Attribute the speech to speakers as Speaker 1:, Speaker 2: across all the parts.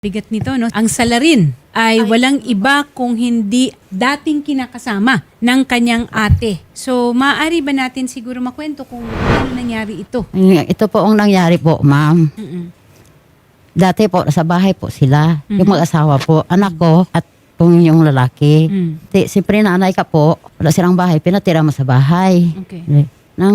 Speaker 1: Bigat nito, no? Ang salarin ay walang iba kung hindi dating kinakasama ng kanyang ate. So, maaari ba natin siguro makwento kung ano nangyari ito?
Speaker 2: Ito po ang nangyari po, ma'am. Dati po, sa bahay po sila. Yung mag-asawa po, anak ko at yung lalaki. Siyempre nanay ka po, wala silang bahay, pinatira mo sa bahay.
Speaker 1: Okay.
Speaker 2: Nang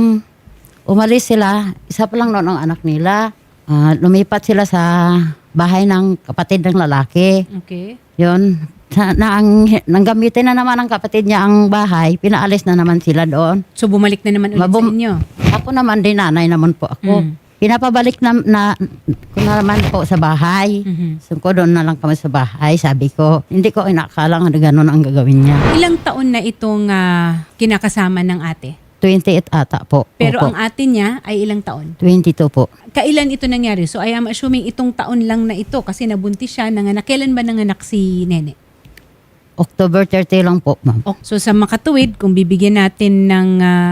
Speaker 2: umalis sila, isa pa lang noon ang anak nila. Lumipat sila sa bahay ng kapatid ng lalaki.
Speaker 1: Okay.
Speaker 2: Yun. Nanggamitin na naman ng kapatid niya ang bahay, pinaalis na naman sila doon.
Speaker 1: So, bumalik na naman ulit sa inyo?
Speaker 2: Ako naman din, nanay naman po ako. Pinapabalik na ko naman po sa bahay. So ko doon na lang kami sa bahay. Sabi ko, hindi ko inakalang na gano'n ang gagawin niya.
Speaker 1: Ilang taon na itong kinakasama ng ate?
Speaker 2: 28 ata po.
Speaker 1: Pero
Speaker 2: Opo.
Speaker 1: ang ate niya ay ilang taon?
Speaker 2: 22 po.
Speaker 1: Kailan ito nangyari? So, I am assuming itong taon lang na ito kasi nabuntis siya, nanganak. Kailan ba nanganak si Nene?
Speaker 2: October 30 lang po, ma'am.
Speaker 1: So, sa makatuwid, kung bibigyan natin ng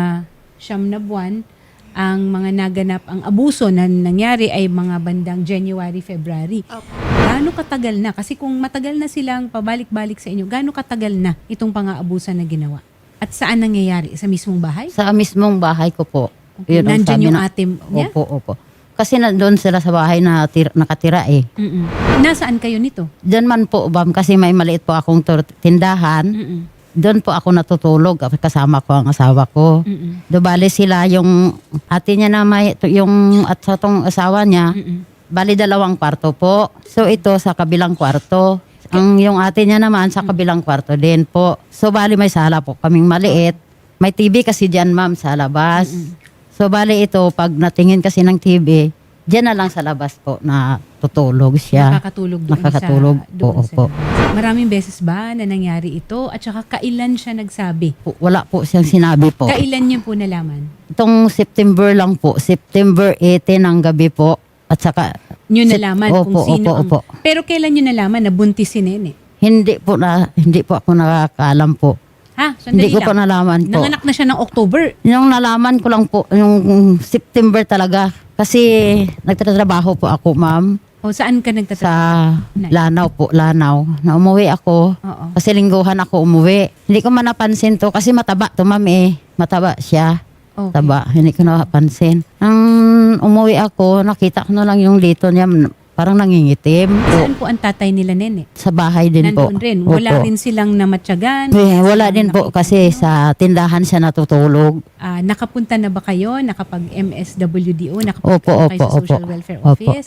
Speaker 1: 9 na buwan, ang mga naganap, ang abuso na nangyari ay mga bandang January, February. Gaano katagal na? Kasi kung matagal na silang pabalik-balik sa inyo, gaano katagal na itong pang-aabusan na ginawa? At saan nangyayari? Sa mismong bahay?
Speaker 2: Sa mismong bahay ko po.
Speaker 1: Okay.
Speaker 2: Yun ang
Speaker 1: Nandyan
Speaker 2: sabi
Speaker 1: yung
Speaker 2: na-
Speaker 1: ate niya?
Speaker 2: Opo. Kasi doon sila sa bahay na nakatira eh.
Speaker 1: Nasaan kayo nito?
Speaker 2: Diyan man po, ma'am, kasi may maliit po akong tindahan. Doon po ako natutulog kasama ko ang asawa ko. Bali sila yung ate niya na may yung at sa tong asawa niya. Bali 2 kwarto po. So ito sa kabilang kwarto. Ang yung ate niya naman sa kabilang kwarto din po. So bali may sala po kaming maliit. May TV kasi diyan, ma'am, sa labas. So bali ito pag natingin kasi ng TV, diyan na lang sa labas po na tutulog siya.
Speaker 1: Nakakatulog doon
Speaker 2: Nakakatulog
Speaker 1: sa, doon
Speaker 2: po,
Speaker 1: sa
Speaker 2: opo.
Speaker 1: labas. Maraming beses ba na nangyari ito? At saka kailan siya nagsabi?
Speaker 2: Wala po siyang sinabi po.
Speaker 1: Kailan niyo po nalaman?
Speaker 2: Itong September lang po, September 18 ng gabi po. At saka,
Speaker 1: Niyo nalaman kung
Speaker 2: Opo,
Speaker 1: sino
Speaker 2: opo.
Speaker 1: ang... Pero kailan niyo nalaman na buntis si Nene?
Speaker 2: hindi po ako nakakaalam po.
Speaker 1: Ha? Sandali
Speaker 2: Hindi ko
Speaker 1: lang.
Speaker 2: po nalaman po.
Speaker 1: Nanganak na siya ng October.
Speaker 2: Yung nalaman ko lang po, yung September talaga. Kasi nagtatrabaho po ako, ma'am,
Speaker 1: O saan ka
Speaker 2: sa
Speaker 1: nagtatrabaho?
Speaker 2: Lanao po, Lanao. Na umuwi ako.
Speaker 1: Oo.
Speaker 2: Kasi lingguhan ako umuwi. Hindi ko man napansin to kasi mataba to, ma'am eh. Mataba siya.
Speaker 1: Okay.
Speaker 2: Taba, hindi ko napansin. Nang umuwi ako, nakita ko na lang yung lito niya, parang nangingitim.
Speaker 1: Saan po ang tatay nila, Nene?
Speaker 2: Sa bahay din po.
Speaker 1: Nandoon rin. Wala
Speaker 2: Opo.
Speaker 1: rin silang namatyagan?
Speaker 2: Wala din po kasi sa tindahan siya natutulog.
Speaker 1: Nakapunta na ba kayo? Nakapag-MSWDO?
Speaker 2: Opo,
Speaker 1: Nakapunta na kayo sa
Speaker 2: opo,
Speaker 1: Social
Speaker 2: opo.
Speaker 1: Welfare
Speaker 2: Opo.
Speaker 1: Office?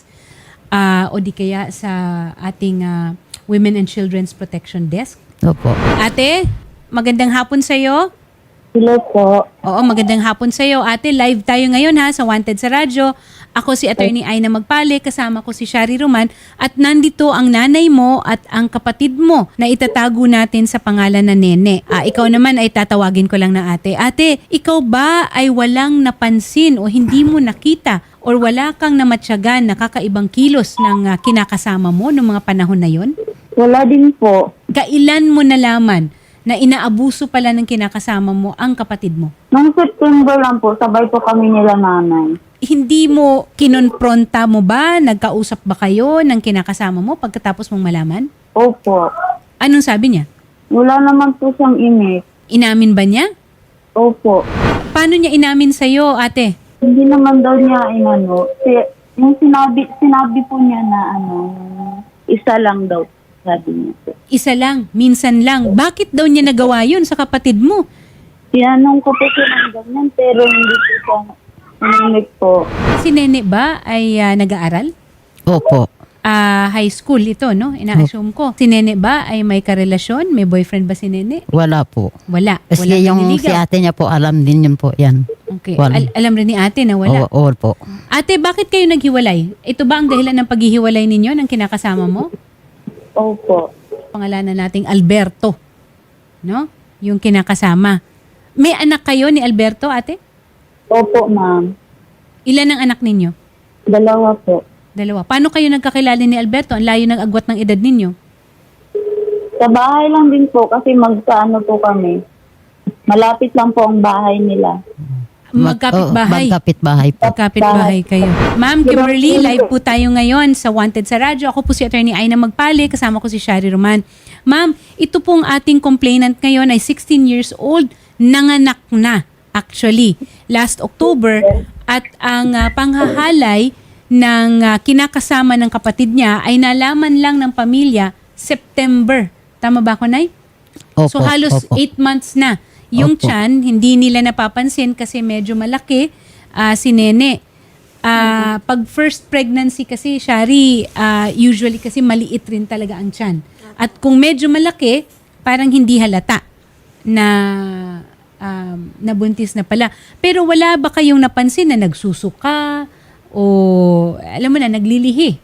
Speaker 1: O di kaya sa ating Women and Children's Protection Desk?
Speaker 2: Opo.
Speaker 1: Ate, magandang hapon sa'yo.
Speaker 3: Hello po.
Speaker 1: Oo, magandang hapon sa'yo. Ate, live tayo ngayon ha sa Wanted sa Radyo. Ako si Attorney Aina Magpale, kasama ko si Shari Roman at nandito ang nanay mo at ang kapatid mo na itatago natin sa pangalan na Nene. Ikaw naman ay tatawagin ko lang na ate. Ate, ikaw ba ay walang napansin o hindi mo nakita or wala kang namatyagan na kakaibang kilos ng kinakasama mo noong mga panahon na yon?
Speaker 3: Wala din po.
Speaker 1: Kailan mo nalaman na inaabuso pala ng kinakasama mo ang kapatid mo?
Speaker 3: Noong September lang po, sabay po kami nila nanay.
Speaker 1: Hindi mo kinonfronta mo ba? Nagkausap ba kayo ng kinakasama mo pagkatapos mong malaman?
Speaker 3: Opo.
Speaker 1: Anong sabi niya?
Speaker 3: Wala naman po siyang imik.
Speaker 1: Inamin ba niya?
Speaker 3: Opo.
Speaker 1: Paano niya inamin sa'yo, ate?
Speaker 3: Hindi naman daw niya inano. Yung sinabi po niya na isa lang daw, sabi niya po.
Speaker 1: Isa lang, minsan lang. Bakit daw niya nagawa yun sa kapatid mo?
Speaker 3: Tinanong ko po siya ng ganyan, pero hindi po siya umimik po.
Speaker 1: Si Nene ba ay nag-aaral?
Speaker 2: Opo.
Speaker 1: High school ito, no? Ina-assume ko. Si Nene ba ay may karelasyon? May boyfriend ba si Nene?
Speaker 2: Wala po.
Speaker 1: Wala.
Speaker 2: Kasi
Speaker 1: Wala
Speaker 2: yung si
Speaker 1: naniligaw.
Speaker 2: ate niya po, alam din yun po yan.
Speaker 1: Okay.
Speaker 2: Wala.
Speaker 1: Alam rin ni ate na wala.
Speaker 2: Oo po.
Speaker 1: Ate, bakit kayo naghiwalay? Ito ba ang dahilan ng paghihiwalay ninyo ng kinakasama mo?
Speaker 3: Opo.
Speaker 1: Pangalanan nating Alberto. No? Yung kinakasama. May anak kayo ni Alberto, ate?
Speaker 3: Opo, ma'am.
Speaker 1: Ilan ang anak ninyo?
Speaker 3: 2 po.
Speaker 1: 2. Paano kayo nagkakilala ni Alberto? Ang layo ng agwat ng edad ninyo.
Speaker 3: Sa bahay lang din po kasi magkaano po kami. Malapit lang po ang bahay nila.
Speaker 1: Magkapit-bahay.
Speaker 2: Magkapit-bahay po.
Speaker 1: Magkapit-bahay kayo. Ma'am Kimberly, live po tayo ngayon sa Wanted sa Radyo. Ako po si Attorney Aina Magpali, kasama ko si Shari Roman. Ma'am, ito pong ating complainant ngayon ay 16 years old, nanganak na actually last October, at ang panghahalay ng kinakasama ng kapatid niya ay nalaman lang ng pamilya September. Tama ba ako, Nay?
Speaker 2: Opo,
Speaker 1: So halos
Speaker 2: opo.
Speaker 1: 8 months na. Yung
Speaker 2: Opo.
Speaker 1: tiyan, hindi nila napapansin kasi medyo malaki si Nene. Pag first pregnancy kasi, Shari, usually kasi maliit rin talaga ang tiyan. At kung medyo malaki, parang hindi halata na nabuntis na pala. Pero wala ba kayong napansin na nagsusuka o alam mo na, naglilihi?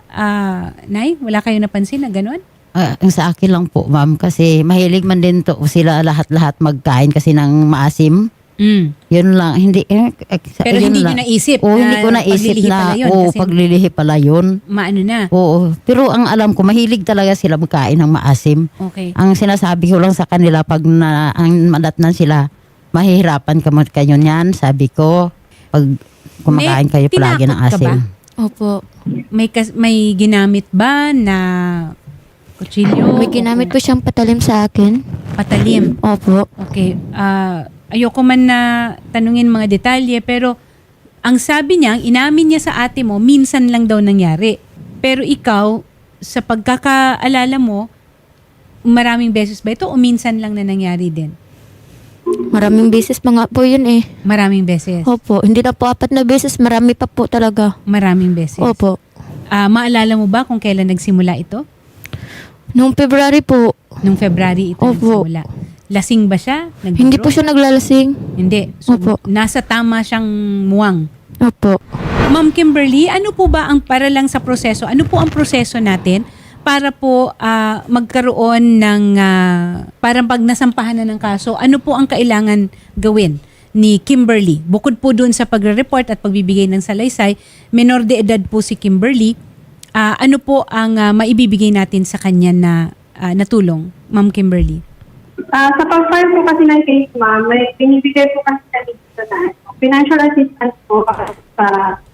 Speaker 1: Nay, wala kayong napansin na gano'n?
Speaker 2: Ang sa akin lang po, ma'am, kasi mahilig man din to sila lahat-lahat magkain kasi ng maasim. Yun lang. Hindi,
Speaker 1: Pero hindi nyo naisip
Speaker 2: Oo,
Speaker 1: na
Speaker 2: hindi ko naisip
Speaker 1: paglilihi
Speaker 2: na,
Speaker 1: pala yun,
Speaker 2: oo,
Speaker 1: kasi
Speaker 2: paglilihi pala yun.
Speaker 1: Maano na?
Speaker 2: Oo. Pero ang alam ko, mahilig talaga sila magkain ng maasim.
Speaker 1: Okay.
Speaker 2: Ang sinasabi ko lang sa kanila, pag ang madatnan sila, mahihirapan kayo niyan, sabi ko, pag kumakain kayo palagi ng
Speaker 1: tinakot ka
Speaker 2: asim.
Speaker 1: ba?
Speaker 4: Opo.
Speaker 1: May ginamit ba na kutsilyo?
Speaker 4: May ginamit po siyang patalim sa akin.
Speaker 1: Patalim.
Speaker 4: Opo.
Speaker 1: Okay. Ayoko man na tanungin mga detalye, pero ang sabi niya, ang inamin niya sa ate mo, minsan lang daw nangyari. Pero ikaw, sa pagkakaalala mo, maraming beses ba ito o minsan lang na nangyari din?
Speaker 4: Maraming beses pa nga po yun eh.
Speaker 1: Maraming beses.
Speaker 4: Opo. Hindi na po 4 na beses. Marami pa po talaga.
Speaker 1: Maraming beses.
Speaker 4: Opo.
Speaker 1: Maalala mo ba kung kailan nagsimula ito?
Speaker 4: Noong February po,
Speaker 1: Nung February ito
Speaker 4: Opo.
Speaker 1: nagsimula. Lasing ba siya?
Speaker 4: hindi po siya naglalasing.
Speaker 1: Hindi. So,
Speaker 4: Opo.
Speaker 1: nasa tama siyang muwang.
Speaker 4: Opo.
Speaker 1: Ma'am Kimberly, ano po ba ang para lang sa proseso? Ano po ang proseso natin para po magkaroon ng parang pag nasampahan na ng kaso, ano po ang kailangan gawin ni Kimberly? Bukod po doon sa pagre-report at pagbibigay ng salaysay, menor de edad po si Kimberly. Ano po ang maibibigay natin sa kanya na natulong, Ma'am Kimberly?
Speaker 5: Sa pag-file po kasi ng case, ma'am, may binibigay po kasi kami dito na financial assistance po sa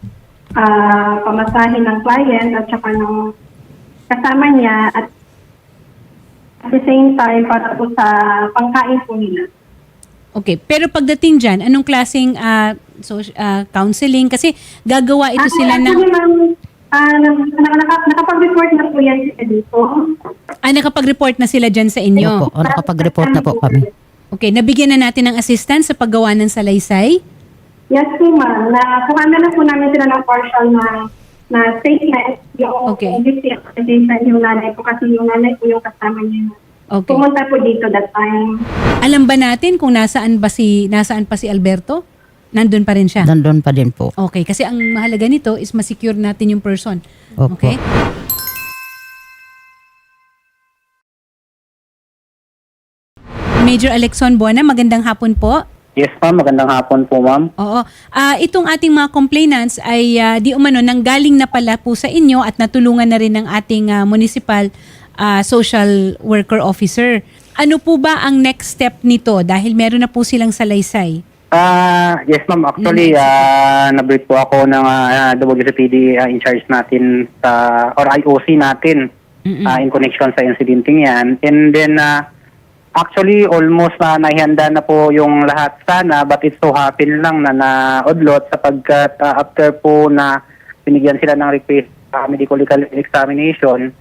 Speaker 5: pamasahin ng client at saka ng kasama niya at the same time para po sa pangkain po nila.
Speaker 1: Okay, pero pagdating dyan, anong klaseng counseling? Kasi gagawa ito sila ng...
Speaker 5: Actually, ma'am, nakapag-report na po yan sila dito.
Speaker 1: nakapag-report na sila dyan sa inyo?
Speaker 2: Opo, nakapag-report na po kami.
Speaker 1: Okay, nabigyan na natin ng assistance sa paggawa ng salaysay?
Speaker 5: Yes po, ma'am. Nakuha na po namin sila ng partial na statement. Yung
Speaker 1: Okay.
Speaker 5: yung nanay po kasi yung nanay po yung kasama niya.
Speaker 1: Okay.
Speaker 5: Pumunta po dito that time.
Speaker 1: Alam ba natin kung nasaan pa si Alberto? Nandun pa rin siya?
Speaker 2: Nandun pa din po.
Speaker 1: Okay, kasi ang mahalaga nito is ma-secure natin yung person.
Speaker 2: Opo.
Speaker 1: Okay? Major Alexon Buona, magandang hapon po.
Speaker 6: Yes ma'am, magandang hapon po ma'am.
Speaker 1: Oo. Itong ating mga complainants ay di umano nanggaling na pala po sa inyo at natulungan na rin ng ating municipal social worker officer. Ano po ba ang next step nito dahil meron na po silang salaysay?
Speaker 6: Yes ma'am, actually na-brief po ako ng WCPD in charge natin or IOC natin in connection sa incidenting yan. And then actually almost naihanda na po yung lahat sana, but it so happen lang na naudlot sapagkat after po na binigyan sila ng request medical examination,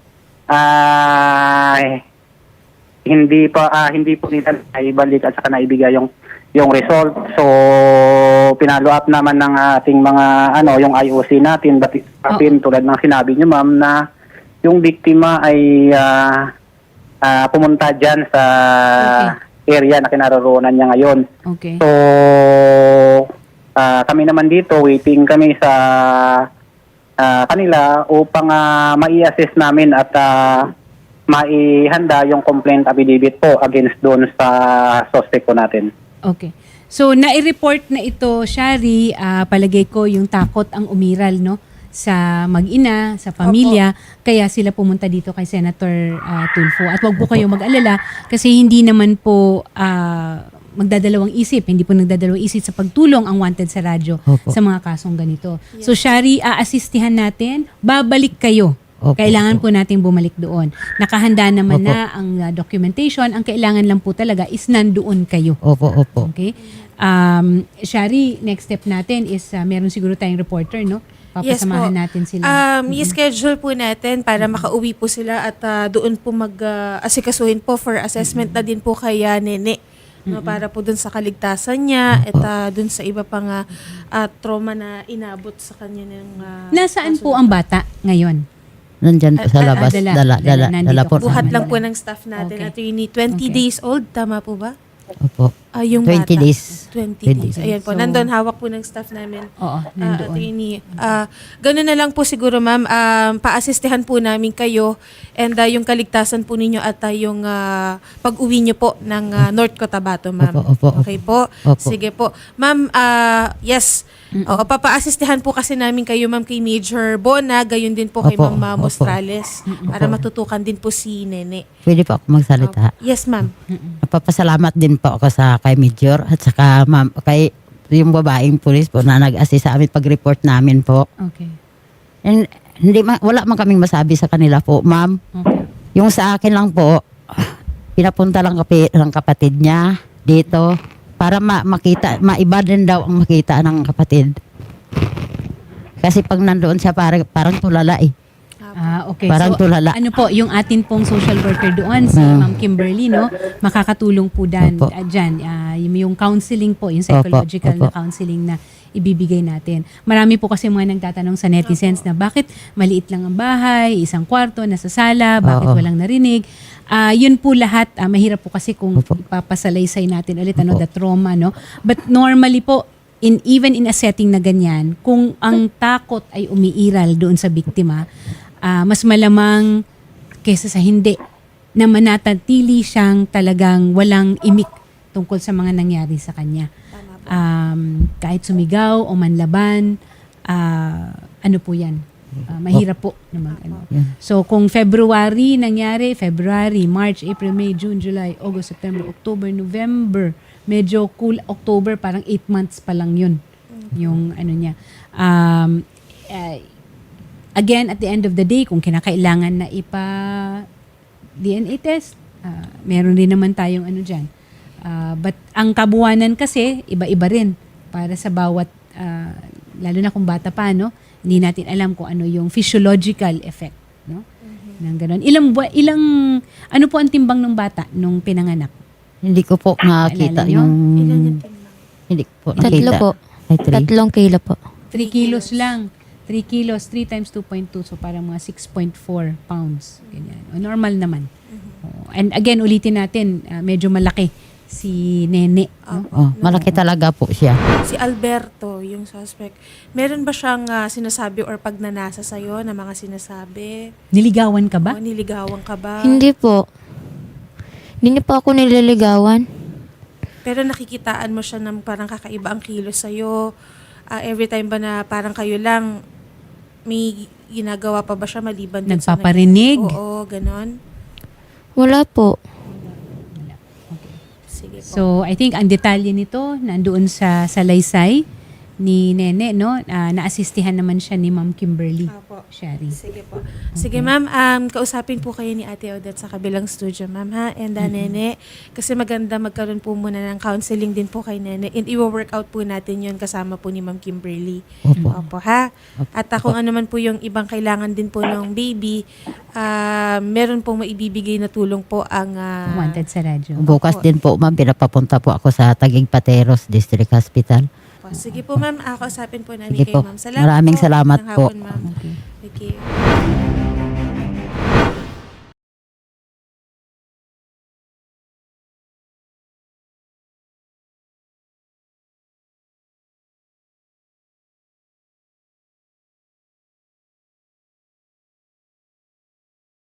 Speaker 6: hindi po nila naibalik at saka naibigay yung result. So pinalo up naman ng ating mga yung IOC natin, but it happened tulad ng sinabi niyo ma'am na yung biktima ay pumunta dyan sa area na kinaroroonan niya ngayon.
Speaker 1: Okay.
Speaker 6: So kami naman dito waiting kami sa kanila upang mai-assess namin at maihanda yung complaint affidavit po against doon sa suspect po natin.
Speaker 1: Okay. So, nai-report na ito, Shari, palagay ko yung takot ang umiral, no? Sa mag-ina, sa pamilya. Kaya sila pumunta dito kay Senator Tulfo. At wag po kayo mag-alala kasi hindi naman po magdadalawang isip, hindi po nagdadalawang isip sa pagtulong ang Wanted sa radyo
Speaker 2: Opo.
Speaker 1: sa mga kasong ganito. So Shari, aasistihan natin, babalik kayo.
Speaker 2: Opo,
Speaker 1: Kailangan
Speaker 2: opo.
Speaker 1: po nating bumalik doon. Nakahanda naman
Speaker 2: Opo.
Speaker 1: na ang documentation. Ang kailangan lang po talaga is nandoon kayo.
Speaker 2: Opo, opo.
Speaker 1: Okay? Shari, next step natin is meron siguro tayong reporter, no? Papasamahan natin sila.
Speaker 7: I-schedule po natin para makauwi po sila at doon po mag-asikasuhin po for assessment na din po kay Nene. No, para po dun sa kaligtasan niya at dun sa iba pang trauma na inabot sa kanya ng
Speaker 1: Nasaan po ang bata ngayon?
Speaker 2: Nandyan po sa labas.
Speaker 1: dala nandito
Speaker 2: po.
Speaker 1: kasama
Speaker 7: buhat lang
Speaker 1: nila.
Speaker 7: po ng staff natin.
Speaker 1: Okay.
Speaker 7: Attorney, 20
Speaker 1: Okay.
Speaker 7: days old, tama po ba?
Speaker 2: Opo.
Speaker 7: Yung
Speaker 2: 20
Speaker 7: bata.
Speaker 2: days.
Speaker 7: 20
Speaker 2: 20
Speaker 7: days. Ayan po,
Speaker 1: So-
Speaker 7: nandun hawak po ng staff namin.
Speaker 1: Oo, nandoon.
Speaker 7: Attorney, ganun na lang po siguro ma'am, paasistehan po namin kayo and yung kaligtasan po ninyo at yung pag-uwi nyo po ng North Cotabato ma'am.
Speaker 2: Opo, opo,
Speaker 7: Okay po?
Speaker 2: Opo.
Speaker 7: Sige po. Ma'am, yes. Oo, papaasistehan po kasi namin kayo ma'am kay Major Bona, gayon din po kay
Speaker 2: Opo,
Speaker 7: Ma'am
Speaker 2: opo.
Speaker 7: Mostrales para matutukan din po si Nene.
Speaker 2: Pwede po ako magsalita.
Speaker 7: Yes ma'am.
Speaker 2: Napapasalamat din po ako sa kay Major at saka ma'am, kay yung babaeng pulis po na nag-assist sa amin pag-report namin po.
Speaker 1: Okay.
Speaker 2: And wala man kaming masabi sa kanila po, ma'am.
Speaker 1: Okay.
Speaker 2: Yung sa akin lang po, pinapunta lang ng kapatid niya dito para makita, maiba din daw ang makita ng kapatid. Kasi pag nandoon siya parang tulala eh.
Speaker 1: Okay.
Speaker 2: Parang tulala.
Speaker 1: Ano po, yung atin pong social worker doon, si Ma'am Kimberly, no? Makakatulong po
Speaker 2: Opo.
Speaker 1: dyan. Yung counseling po, yung psychological
Speaker 2: Opo.
Speaker 1: na counseling na ibibigay natin. Marami po kasi mga nagtatanong sa netizens na bakit maliit lang ang bahay, isang kwarto, nasa sala, bakit
Speaker 2: Oo.
Speaker 1: walang narinig. Yun po lahat, mahirap po kasi kung
Speaker 2: Opo.
Speaker 1: ipapasalaysay natin ulit,
Speaker 2: Opo.
Speaker 1: the trauma, no? But normally po, even in a setting na ganyan, kung ang takot ay umiiral doon sa biktima, mas malamang kesa sa hindi na manatili siyang talagang walang imik tungkol sa mga nangyari sa kanya. Kahit sumigaw o manlaban, ano po yan? Mahirap po naman.
Speaker 2: Yan.
Speaker 1: So kung February nangyari, February, March, April, May, June, July, August, September, October, November, medyo cool. October, parang 8 months pa lang yun. Yung ano niya. Again, at the end of the day, kung kinakailangan na DNA test, meron din naman tayong ano dyan. But ang kabuuanan kasi, iba-iba rin para sa bawat, lalo na kung bata pa, no? Hindi natin alam kung ano yung physiological effect, no? Nang ganun. Ano po ang timbang ng bata nung pinanganak?
Speaker 2: Hindi ko po nakita
Speaker 1: Naalala nyo?
Speaker 2: yung...
Speaker 7: Ilan yung tingnan?
Speaker 2: Hindi ko po
Speaker 4: 3
Speaker 2: nakita.
Speaker 4: po.
Speaker 2: Ay, 3.
Speaker 4: 3 kilo po.
Speaker 1: 3 kilos lang. 3 kilos, 3 times 2.2, so parang mga 6.4 pounds. Ganyan. O, normal naman. O, and again, ulitin natin, medyo malaki si Nene. No?
Speaker 2: Oh, malaki talaga po siya.
Speaker 7: Si Alberto, yung suspect, meron ba siyang sinasabi or pagnanasa sa'yo na mga sinasabi?
Speaker 1: Niligawan ka ba?
Speaker 7: O niligawan ka ba?
Speaker 4: Hindi po. Hindi niya po ako nililigawan.
Speaker 7: Pero nakikitaan mo siya ng parang kakaiba ang kilos sa'yo. Every time ba na parang kayo lang, may ginagawa pa ba siya maliban dun sa
Speaker 1: Nagpaparinig?
Speaker 7: Oo, ganon.
Speaker 4: Wala po.
Speaker 7: Sige po.
Speaker 1: So, I think ang detalye nito, nandoon sa salaysay ni Nene, no? Naasistihan naman siya ni Ma'am Kimberly.
Speaker 7: Apo.
Speaker 1: Shari.
Speaker 7: Sige po. Sige ma'am, kausapin po kayo ni Ate Odette sa kabilang studio ma'am ha. And Nene, kasi maganda magkaroon po muna ng counseling din po kay Nene. And i-work out po natin yon kasama po ni Ma'am Kimberly.
Speaker 2: Opo.
Speaker 7: Opo ha. At kung ano man po yung ibang kailangan din po ng baby, meron pong maibibigay na tulong po ang
Speaker 1: Wanted sa radyo.
Speaker 2: Bukas din po, ma'am, pinapapunta po ako sa Taguig Pateros District Hospital.
Speaker 7: Sige po ma'am, kausapin po namin
Speaker 2: Sige
Speaker 7: kayo
Speaker 2: po.
Speaker 7: ma'am. Salamat
Speaker 2: Maraming
Speaker 7: po.
Speaker 2: salamat
Speaker 7: Magandang
Speaker 2: po.
Speaker 7: hapon, ma'am.
Speaker 1: Okay.
Speaker 7: Thank you.